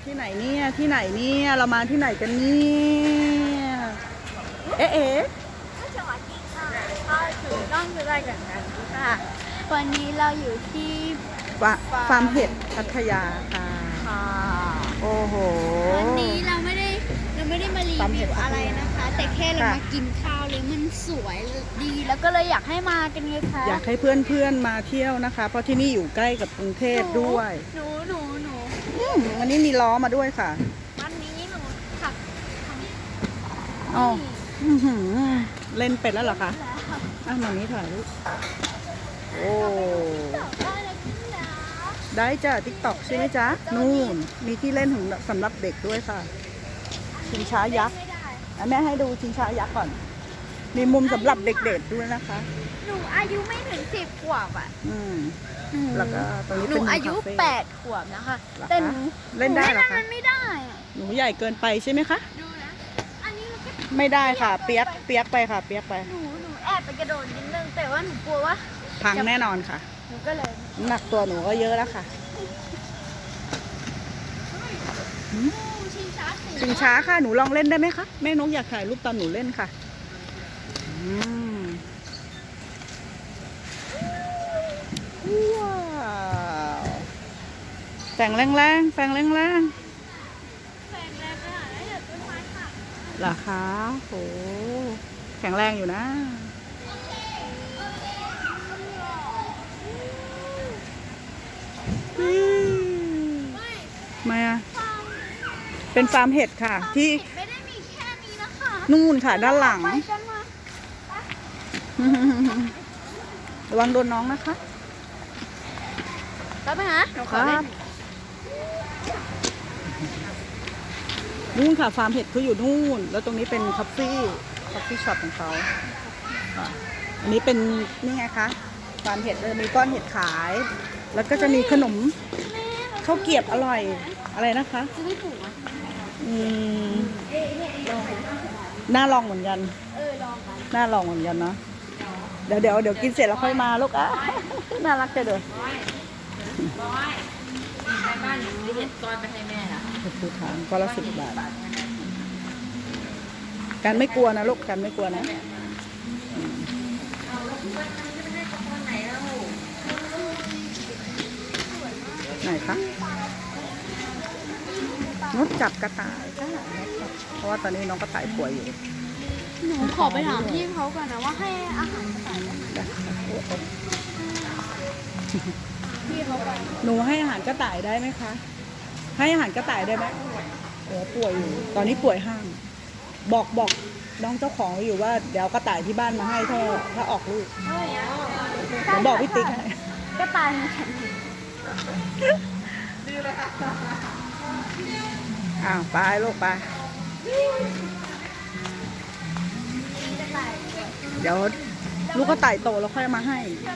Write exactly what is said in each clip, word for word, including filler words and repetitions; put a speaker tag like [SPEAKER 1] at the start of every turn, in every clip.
[SPEAKER 1] ที่ไหนเนี่ยที่ไหนเนี่ยเรามาที่ไหนกันเนี่ยเอ๊ะเอ๊ะ
[SPEAKER 2] สวัสดีค่ะก็ถือต้องดูรายการกันค่ะวันนี้เราอยู่ที่
[SPEAKER 1] ฟาฟาร์มเห็ดพัทยาค่ะ
[SPEAKER 2] ค่ะ
[SPEAKER 1] โอ้โห
[SPEAKER 2] วันนี้เราไม่ได้เราไม่ได้มารีวิวอะไรนะคะ แต่แค่เรามากินข้าวเลยมันสวยดีแล้วก็เลยอยากให้มากันไงคะ
[SPEAKER 1] อยากให้เพื่อนๆมาเที่ยวนะคะ เพราะที่นี่อยู่ใกล้กับกรุงเทพด้วย
[SPEAKER 2] หนูหนูหนู
[SPEAKER 1] อืมวันนี้มีล้อมาด้วยค่ะ
[SPEAKER 2] วันนี้หนูขับทำ
[SPEAKER 1] อ๋ออื้อหือเล่นเป็ดแล้วเหรอคะอ่ะมานี้ถ่ายรูปโอ้
[SPEAKER 2] ได้เลยพี่นะ
[SPEAKER 1] ได้จ้ะติ๊กต็อกใช่ไหมจ๊ะนู่นมีที่เล่นของสำหรับเด็กด้วยค่ะชิงช้ายักษ์
[SPEAKER 2] ไม่ได้
[SPEAKER 1] อ่ะแม่ให้ดูชิงช้ายักษ์ก่อน มีมุมสำหรับเด็กๆด้วยนะคะ
[SPEAKER 2] หนูอายุไม่ถึงสิบขวบอ่ะ
[SPEAKER 1] อืม
[SPEAKER 2] หนู
[SPEAKER 1] แล้วก็ตรงนี้
[SPEAKER 2] ห
[SPEAKER 1] เป็
[SPEAKER 2] นู
[SPEAKER 1] น
[SPEAKER 2] อายุ
[SPEAKER 1] คาเฟ่
[SPEAKER 2] แปดขวบนะคะ
[SPEAKER 1] เหรอคะ
[SPEAKER 2] แต่หนู
[SPEAKER 1] เล่นได้เหรอคะ
[SPEAKER 2] นูนไม่ได้อะ
[SPEAKER 1] หนูใหญ่เกินไปใช่ไหมคะ
[SPEAKER 2] ดูนะ อันนี้เราก็
[SPEAKER 1] ไม่ได้ค่ะ เปียกเปียกไปค่ะ เปียกไป
[SPEAKER 2] หนูหนูแอบไปกระโดดนิดนึงแต่ว่าหนูกลัวว่า
[SPEAKER 1] พังแน่นอนค่ะ
[SPEAKER 2] หนูก็เลย
[SPEAKER 1] น้ำหนักตัวหนูก็เยอะแล้วค่ะ
[SPEAKER 2] ชิงช้าสี
[SPEAKER 1] ชิงช้าค่ะหนูลองเล่นได้ไหมคะแม่นกอยากถ่ายรูปตอนหนูเล่นค่ะอืมว้าวแฝงแรงๆแฝงแรง
[SPEAKER 2] แฝงแรงขนาดนั้นเดี๋ยวต้นไม้หัก
[SPEAKER 1] ๆเหรอคะโหแข็งแรงอยู่นะอืมทำไมอะเป็นฟาร์มเห็ดค่ะ ที่
[SPEAKER 2] ไม่ได้มีแค่นี้นะคะ
[SPEAKER 1] นู่นค่ะด้านหลัง
[SPEAKER 2] ไปกันมา
[SPEAKER 1] ระวังโดนน้องนะคะ
[SPEAKER 2] แป๊บนึงนะหนูข
[SPEAKER 1] ค
[SPEAKER 2] อ
[SPEAKER 1] รั
[SPEAKER 2] เล่
[SPEAKER 1] บ
[SPEAKER 2] น
[SPEAKER 1] นู่นค่ะฟาร์มเห็ดเขาอยู่นู่น แล้วตรงนี้เป็นคาเฟ่คาเฟ่ช็อปของเขาอ่ะอันนี้เป็นนี่ไงคะฟาร์มเห็ดเลยมีก้อนเห็ดขาย แล้วก็จะมีขนมข้าวเกรียบอร่อยอะไรนะคะ
[SPEAKER 2] จะไม่ถูกอ่ะ
[SPEAKER 1] อืมน่าลองเหมือนกัน
[SPEAKER 2] เออลองกัน
[SPEAKER 1] น่าลองเหมือนกันเนาะเดี๋ยวเดี๋ยวเดี๋ยวกินเสร็จแล้วค่อยมาลูกอ่ะ น่ารักจังเลย
[SPEAKER 3] ไปบ้านหนูเห็ดก้อนไปให้แม่ละ
[SPEAKER 1] เห็ดภูฐานก็ละสิบบาทกันไม่กลัวนะลูกกันไม่กลัวนะไหนคะนกจับกระต่ายค่ะเพราะว่าตอนนี้น้องกระต่ายป่วยอยู่
[SPEAKER 2] หนูขอไปถามพี่เขาก่อนนะว่าให้อาหารกระต่ายได้ไหม
[SPEAKER 1] ได้ค่ะโอ้โห
[SPEAKER 2] พี่เขาไป
[SPEAKER 1] หนูให้อาหารกระต่ายได้ไหมคะ ให้อาหารกระต่ายได้ไหมโอ้ป่วยอยู่ ตอนนี้ป่วยห้าม บอกบอกน้องเจ้าของอยู่ว่าเดี๋ยวกระต่ายที่บ้านมาให้ถ้าถ้าออกลูกเดี๋ยวบอกพี่ติ๊กให้
[SPEAKER 2] กระต่ายมันแข็ง
[SPEAKER 1] อ้าวไปลูกไป
[SPEAKER 2] กระต่าย
[SPEAKER 1] เดี๋ยวลูกกระต่ายโตแล้วค่อยมาให้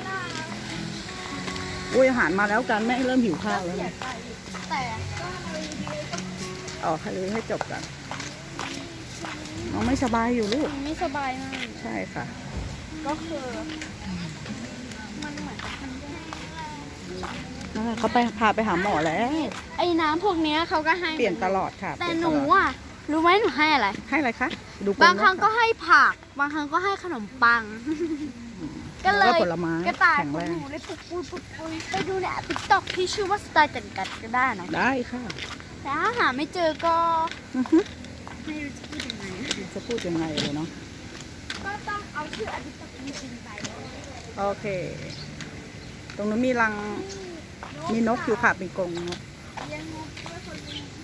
[SPEAKER 1] อุ้ยอาหารมาแล้วกันแม่เริ่มหิวข้าวแล้ว
[SPEAKER 2] เสีย
[SPEAKER 1] นะ
[SPEAKER 2] ใจแต่ก็
[SPEAKER 1] ออกให้เลยให้จบกันน้องไม่สบายอยู่ลูก
[SPEAKER 2] มันไม่สบายมาก
[SPEAKER 1] ใช่ค่ะ
[SPEAKER 2] ก็คือมันเหมือนกับมันแย่
[SPEAKER 1] นั่นแหละเขาไปพาไปหาหมอแล้ว
[SPEAKER 2] ไอ้น้ำพวกเนี้ยเขาก็ให้
[SPEAKER 1] เปลี่ยนตลอดค่ะ
[SPEAKER 2] แต่
[SPEAKER 1] เปลี่ย
[SPEAKER 2] ห
[SPEAKER 1] ต
[SPEAKER 2] นู
[SPEAKER 1] ลอด
[SPEAKER 2] อ่ะรู้ไหมหนูให้อะไร
[SPEAKER 1] ให้อะไรคะดู
[SPEAKER 2] บางครั้งก็
[SPEAKER 1] น
[SPEAKER 2] ให้ผัก บางครั้งก็ให้ขนมปัง ก็เล
[SPEAKER 1] แล้ว
[SPEAKER 2] ย
[SPEAKER 1] ผลไม้
[SPEAKER 2] กระต่าย
[SPEAKER 1] แข็ง
[SPEAKER 2] ขอ
[SPEAKER 1] แรง ง
[SPEAKER 2] หนูเลยปุกปุยปุกปุยไปดูในติ๊กต็อกที่ชื่อว่าสไตล์จันกัดก็ได้นะ
[SPEAKER 1] ได้ค่ะ
[SPEAKER 2] แต่ถ้าหาไม่เจอก็
[SPEAKER 1] อือฮึ
[SPEAKER 2] ไม่รู้จะพูดยังไง
[SPEAKER 1] จะพูดยังไงเลยเนาะ
[SPEAKER 2] ก็ต้องเอาชื่ออดิตจริงๆไป
[SPEAKER 1] โอเค ตรงนู้นมีรังมีนกอยู่ค่ะเป็นกรงนก
[SPEAKER 2] เลี้ยงนกด้วยคนเลี้ยง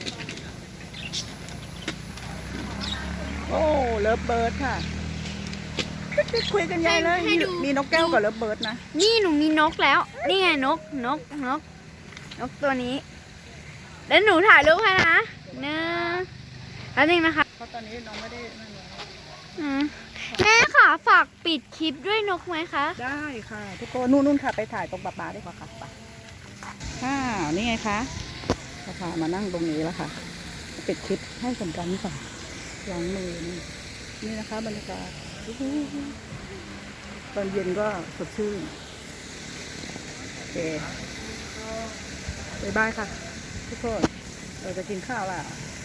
[SPEAKER 1] โอ้เลิฟเบิร์ดค่ะคุยกันใหญ่เลยมีมีนกแก้วกับเลิฟเบิร์ดนะ
[SPEAKER 2] นี่หนูมีนกแล้ว นี่ไงนกนกนกนกตัวนี้ แล้วหนูถ่ายรูปให้นะหนึ่งแล้วนึงนะคะ
[SPEAKER 1] เพราะตอนนี้น้องไม่ได้นั่นเลย
[SPEAKER 2] อืมแม่ค่ะฝากปิดคลิปด้วยนกไหมคะ
[SPEAKER 1] ได้ค่ะ ทุกคนนู่นนู่นค่ะ ไปถ่ายตรงปลาปลาดีกว่าค่ะไปอ้าวนี่ไงคะปลาปลามานั่งตรงนี้แล้วค่ะ ปิดคลิปให้สมกันก่อนล้างมือนี่นี่นะคะบรรยากาศอู้หูตอนเย็นก็สดชื่นโอเคบ๊ายบายค่ะ ทุกคนเราจะกินข้าวแล้ว